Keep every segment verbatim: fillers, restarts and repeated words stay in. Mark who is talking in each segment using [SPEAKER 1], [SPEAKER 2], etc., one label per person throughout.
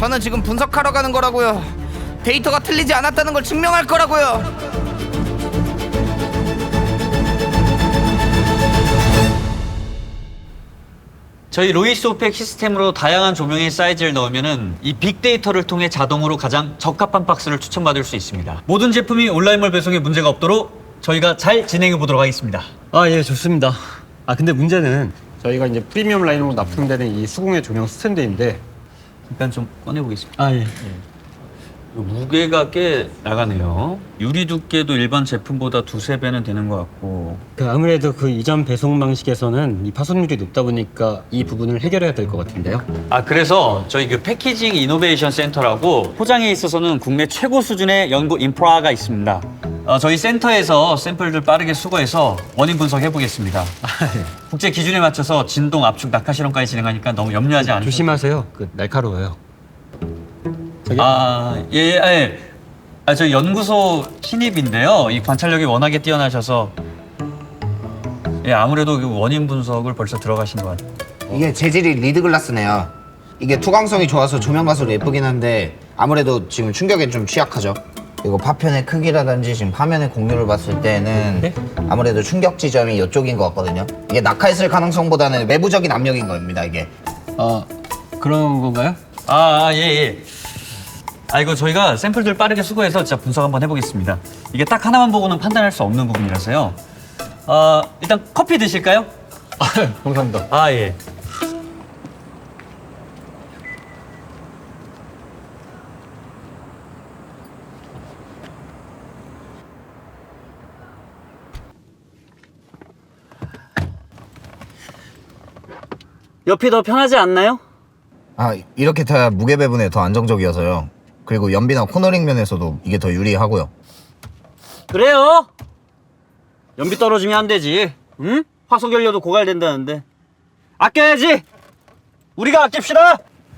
[SPEAKER 1] 저는 지금 분석하러 가는 거라고요. 데이터가 틀리지 않았다는 걸 증명할 거라고요.
[SPEAKER 2] 저희 로이스 오펙 시스템으로 다양한 조명의 사이즈를 넣으면은 이 빅데이터를 통해 자동으로 가장 적합한 박스를 추천받을 수 있습니다. 모든 제품이 온라인몰 배송에 문제가 없도록 저희가 잘 진행해 보도록 하겠습니다.
[SPEAKER 3] 아, 예, 좋습니다. 아, 근데 문제는 저희가 이제 프리미엄 라인으로 납품되는 이 수공예 조명 스탠드인데
[SPEAKER 2] 잠깐 좀 꺼내 보겠습니다.
[SPEAKER 3] 아, 예.
[SPEAKER 2] 무게가 꽤 나가네요. 유리 두께도 일반 제품보다 두세 배는 되는 것 같고.
[SPEAKER 3] 그 아무래도 그 이전 배송 방식에서는 이 파손율이 높다 보니까 이 부분을 해결해야 될 것 같은데요.
[SPEAKER 2] 아, 그래서 저희 그 패키징 이노베이션 센터라고 포장에 있어서는 국내 최고 수준의 연구 인프라가 있습니다. 어, 저희 센터에서 샘플들 빠르게 수거해서 원인 분석해 보겠습니다. 국제 기준에 맞춰서 진동, 압축, 낙하 실험까지 진행하니까 너무 염려하지 않으셔도.
[SPEAKER 3] 조심하세요. 그 날카로워요. 저기...
[SPEAKER 2] 아, 예, 예, 예. 아, 저 연구소 신입인데요. 이 관찰력이 워낙에 뛰어나셔서 예, 아무래도 그 원인 분석을 벌써 들어가신 것 같아요.
[SPEAKER 4] 이게 재질이 리드글라스네요. 이게 투광성이 좋아서 조명 가수로 예쁘긴 한데 아무래도 지금 충격에 좀 취약하죠. 그리고 파편의 크기라든지 지금 화면의 공유를 봤을 때는
[SPEAKER 3] 네?
[SPEAKER 4] 아무래도 충격 지점이 이쪽인 것 같거든요. 이게 낙하했을 가능성보다는 외부적인 압력인 겁니다, 이게.
[SPEAKER 3] 아, 그런 건가요?
[SPEAKER 2] 아, 아, 예, 예. 아, 이거 저희가 샘플들 빠르게 수거해서 진짜 분석 한번 해보겠습니다. 이게 딱 하나만 보고는 판단할 수 없는 부분이라서요. 어, 일단 커피 드실까요?
[SPEAKER 3] 아, 감사합니다.
[SPEAKER 2] 아, 예. 옆이 더 편하지 않나요?
[SPEAKER 4] 아, 이렇게 타야 무게 배분에 더 안정적이어서요. 그리고 연비나 코너링 면에서도 이게 더 유리하고요.
[SPEAKER 2] 그래요? 연비 떨어지면 안 되지. 응? 화석연료도 고갈된다는데. 아껴야지. 우리가 아낍시다.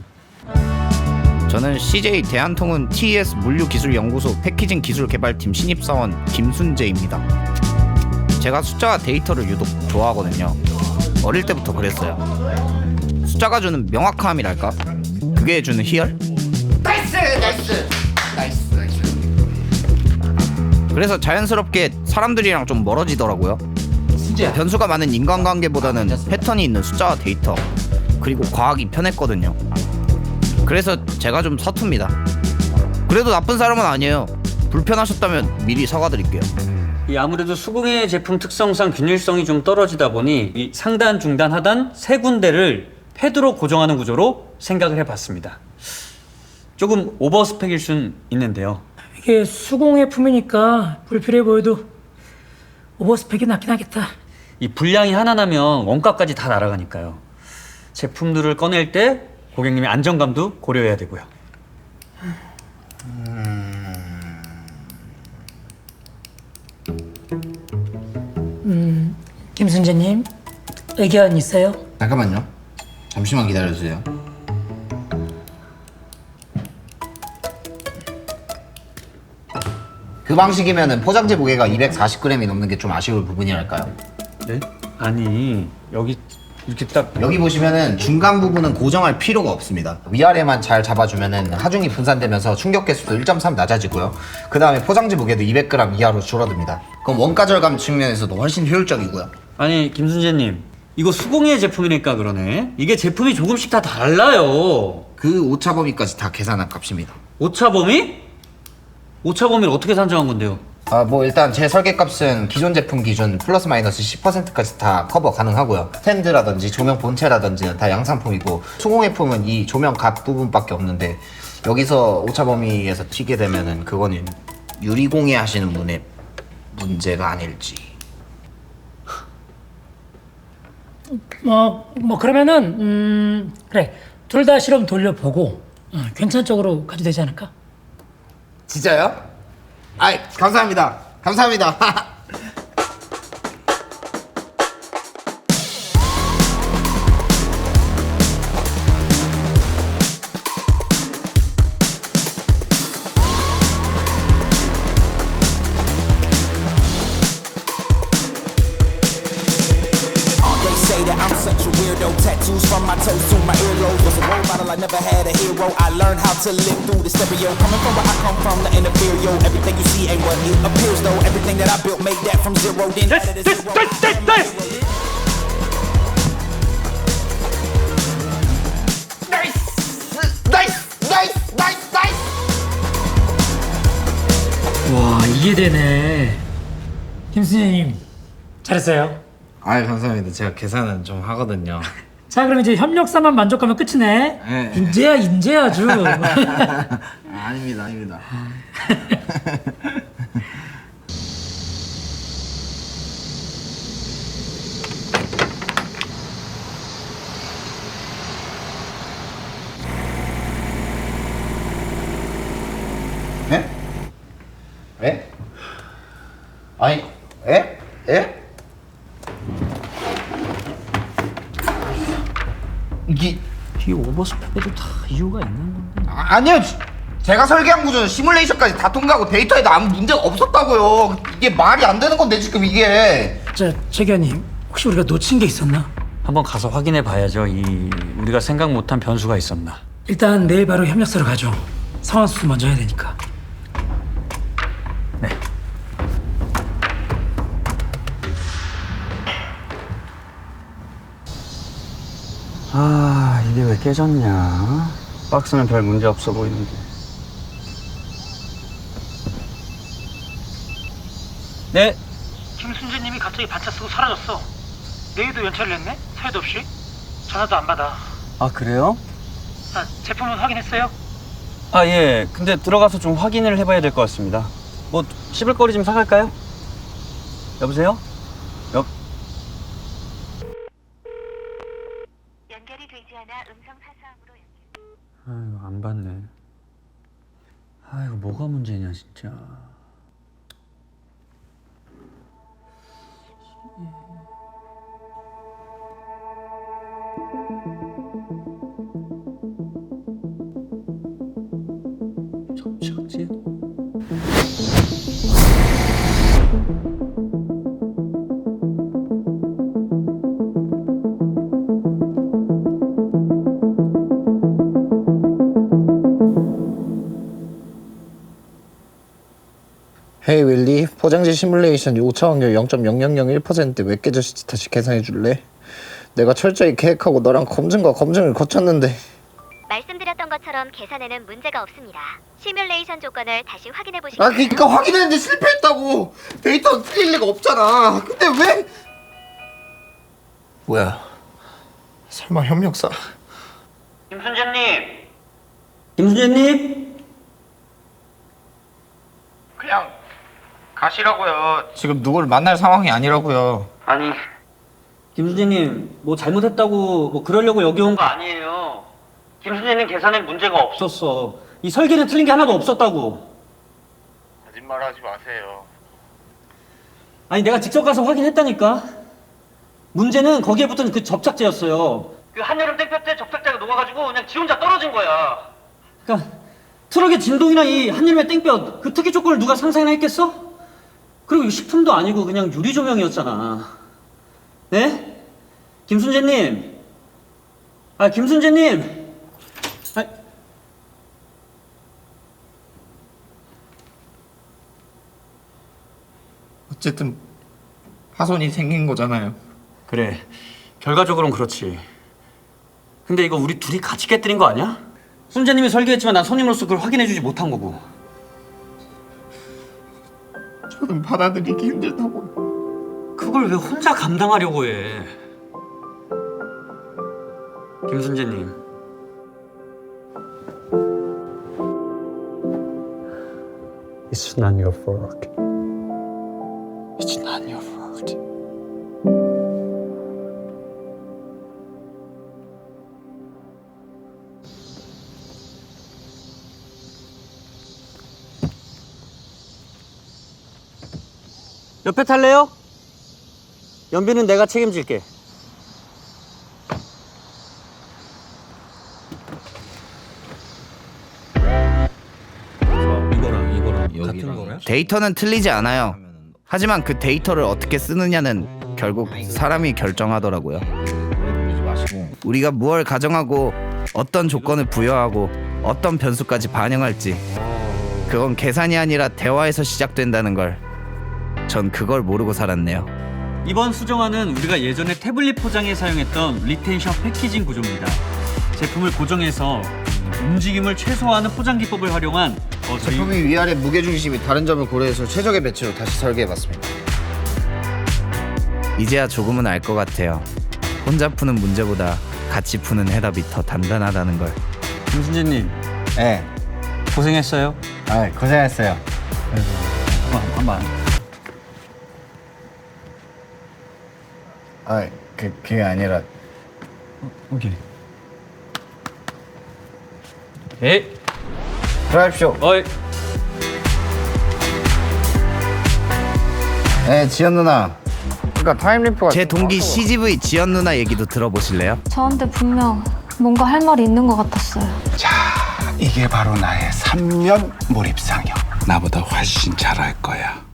[SPEAKER 1] 저는 씨제이 대한통운 티이에스 물류기술연구소 패키징 기술개발팀 신입사원 김순재입니다. 제가 숫자와 데이터를 유독 좋아하거든요. 어릴 때부터 그랬어요. 숫자가 주는 명확함이랄까? 그게 주는 희열? 나이스! 나이스! 나이스! 나이스! 그래서 자연스럽게 사람들이랑 좀 멀어지더라고요. 변수가 많은 인간관계보다는 패턴이 있는 숫자와 데이터, 그리고 과학이 편했거든요. 그래서 제가 좀 서툽니다. 그래도 나쁜 사람은 아니에요. 불편하셨다면 미리 사과드릴게요.
[SPEAKER 2] 이 아무래도 수공예 제품 특성상 균일성이 좀 떨어지다 보니 이 상단, 중단, 하단 세 군데를 패드로 고정하는 구조로 생각을 해봤습니다. 조금 오버 스펙일 순 있는데요.
[SPEAKER 5] 이게 수공예 품이니까 불필요해 보여도 오버스펙이 낫긴 하겠다.
[SPEAKER 2] 이 분량이 하나 나면 원가까지 다 날아가니까요. 제품들을 꺼낼 때 고객님의 안정감도 고려해야 되고요.
[SPEAKER 5] 음, 김순재님 의견 있어요?
[SPEAKER 4] 잠깐만요. 잠시만 기다려주세요. 그 방식이면은 포장재 무게가 이백사십 그램이 넘는 게 좀 아쉬울 부분이랄까요?
[SPEAKER 2] 네? 아니, 여기 이렇게 딱
[SPEAKER 4] 여기 보시면은 중간 부분은 고정할 필요가 없습니다. 위아래만 잘 잡아주면은 하중이 분산되면서 충격 개수도 일 점 삼 낮아지고요. 그 다음에 포장재 무게도 이백 그램 이하로 줄어듭니다. 그럼 원가 절감 측면에서도 훨씬 효율적이고요.
[SPEAKER 2] 아니, 김순재님, 이거 수공예 제품이니까 그러네. 이게 제품이 조금씩 다 달라요.
[SPEAKER 4] 그 오차 범위까지 다 계산한 값입니다.
[SPEAKER 2] 오차 범위? 오차 범위를 어떻게 산정한 건데요?
[SPEAKER 4] 아, 뭐 일단 제 설계값은 기존 제품 기준 플러스 마이너스 십 퍼센트까지 다 커버 가능하고요. 스탠드라든지 조명 본체라든지 다 양상품이고 수공예품은 이 조명 값 부분밖에 없는데 여기서 오차 범위에서 튀게 되면은 그거는 유리공예 하시는 분의 문제가 아닐지.
[SPEAKER 5] 뭐, 뭐 그러면은 음, 그래 둘 다 실험 돌려보고 어, 괜찮은 쪽으로 가도 되지 않을까?
[SPEAKER 4] 진짜요? 아이, 감사합니다. 감사합니다.
[SPEAKER 6] Say that I'm such a weirdo. Tattoos from my toes to my earlobes. Was a role model, I never had a hero. zero. I learned how to live through the stereo. Coming from where I come from, the inferior. Everything you see ain't what it appears though. Everything that I built made that from zero. Then added a zero.
[SPEAKER 4] 나이스! 나이스! 나이스! 나이스!
[SPEAKER 5] 와 이게 되네. 김순재님 잘했어요.
[SPEAKER 4] 아 감사합니다. 제가 계산은 좀 하거든요.
[SPEAKER 5] 자 그럼 이제 협력사만 만족하면 끝이네.
[SPEAKER 4] 네.
[SPEAKER 5] 인재야 인재 아주.
[SPEAKER 4] 아, 아닙니다, 아닙니다. 에? 에? 아니, 에? 에? 이게
[SPEAKER 5] 이 오버스펙에도 다 이유가 있는 건데.
[SPEAKER 4] 아, 아니요. 제가 설계한 구조는 시뮬레이션까지 다 통과하고 데이터에도 아무 문제가 없었다고요. 이게 말이 안 되는 건데 지금 이게.
[SPEAKER 5] 자 최기현님 혹시 우리가 놓친 게 있었나?
[SPEAKER 2] 한번 가서 확인해 봐야죠. 이 우리가 생각 못한 변수가 있었나.
[SPEAKER 5] 일단 내일 바로 협력사로 가죠. 상황 수습 먼저 해야 되니까.
[SPEAKER 2] 네. 아, 이게 왜 깨졌냐? 박스는 별 문제 없어 보이는데. 네.
[SPEAKER 5] 김순재님이 갑자기 반차 쓰고 사라졌어. 내일도 연차를 냈네? 사유도 없이. 전화도 안 받아.
[SPEAKER 2] 아, 그래요?
[SPEAKER 5] 아, 제품은 확인했어요?
[SPEAKER 2] 아, 예. 근데 들어가서 좀 확인을 해봐야 될 것 같습니다. 뭐 씹을 거리 좀 사갈까요? 여보세요? 여...
[SPEAKER 7] 연결이 되지 않아 음성 사서함으로 연결.
[SPEAKER 2] 아이고, 안 받네. 아이고, 뭐가 문제냐, 진짜. 접착제?
[SPEAKER 4] 헤이 윌리, 포장지 시뮬레이션 오차 확률 영 점 영영영일 퍼센트 왜 깨졌을지 다시 계산해 줄래? 내가 철저히 계획하고 너랑 검증과 검증을 거쳤는데.
[SPEAKER 7] 말씀드렸던 것처럼 계산에는 문제가 없습니다. 시뮬레이션 조건을 다시 확인해 보시겠어요?
[SPEAKER 4] 아 그니까 확인했는데 실패했다고. 데이터 틀릴 리가 없잖아. 근데 왜? 뭐야? 설마 협력사?
[SPEAKER 2] 김순재님! 김순재님!
[SPEAKER 1] 그냥 가시라고요. 지금 누굴 만날 상황이 아니라고요.
[SPEAKER 2] 아니, 김순재님, 뭐 잘못했다고 뭐 그러려고 여기 온 거 아니에요. 김순재님 계산에 문제가 없었어. 이 설계는 틀린 게 하나도 없었다고.
[SPEAKER 1] 거짓말하지 마세요.
[SPEAKER 2] 아니, 내가 직접 가서 확인했다니까. 문제는 거기에 붙은 그 접착제였어요. 그 한여름 땡볕 때 접착제가 녹아가지고 그냥 지 혼자 떨어진 거야. 그러니까 트럭의 진동이나 이 한여름의 땡볕 그 특이 조건을 누가 상상이나 했겠어? 그리고 이거 식품도 아니고 그냥 유리 조명이었잖아. 네? 김순재님. 아, 김순재님. 아,
[SPEAKER 1] 어쨌든 파손이 생긴 거잖아요.
[SPEAKER 2] 그래. 결과적으로는 그렇지. 근데 이거 우리 둘이 같이 깨뜨린 거 아니야? 순재님이 설계했지만 난 손님으로서 그걸 확인해주지 못한 거고.
[SPEAKER 1] 저는 받아들이기 힘들다고.
[SPEAKER 2] 그걸 왜 혼자 감당하려고 해? 김순재님. It's not your fault. It's not your fault. 옆에 탈래요? 연비는 내가 책임질게. 이거랑 이거랑 같은 거야?
[SPEAKER 1] 데이터는 틀리지 않아요. 하지만 그 데이터를 어떻게 쓰느냐는 결국 사람이 결정하더라고요. 우리가 무엇을 가정하고 어떤 조건을 부여하고 어떤 변수까지 반영할지 그건 계산이 아니라 대화에서 시작된다는 걸 전 그걸 모르고 살았네요.
[SPEAKER 2] 이번 수정안은 우리가 예전에 태블릿 포장에 사용했던 리텐션 패키징 구조입니다. 제품을 고정해서 움직임을 최소화하는 포장 기법을 활용한 어, 저희
[SPEAKER 4] 제품이 위아래 무게중심이 다른 점을 고려해서 최적의 배치로 다시 설계해봤습니다.
[SPEAKER 1] 이제야 조금은 알 것 같아요. 혼자 푸는 문제보다 같이 푸는 해답이 더 단단하다는 걸.
[SPEAKER 2] 김순재님
[SPEAKER 4] 네,
[SPEAKER 2] 고생했어요.
[SPEAKER 4] 아 고생했어요.
[SPEAKER 2] 한번 한번.
[SPEAKER 4] 아, 그 그게 아니라
[SPEAKER 2] 오케이. 오케이.
[SPEAKER 4] 들어가십시오.
[SPEAKER 2] 어이.
[SPEAKER 4] 네, 지연 누나. 그러니까 타임리프가
[SPEAKER 1] 제 동기 씨지브이 지연 누나 얘기도 들어보실래요?
[SPEAKER 8] 저한테 분명 뭔가 할 말이 있는 것 같았어요.
[SPEAKER 9] 이게 바로 나의 삼 년 몰입상영. 나보다 훨씬 잘할 거야.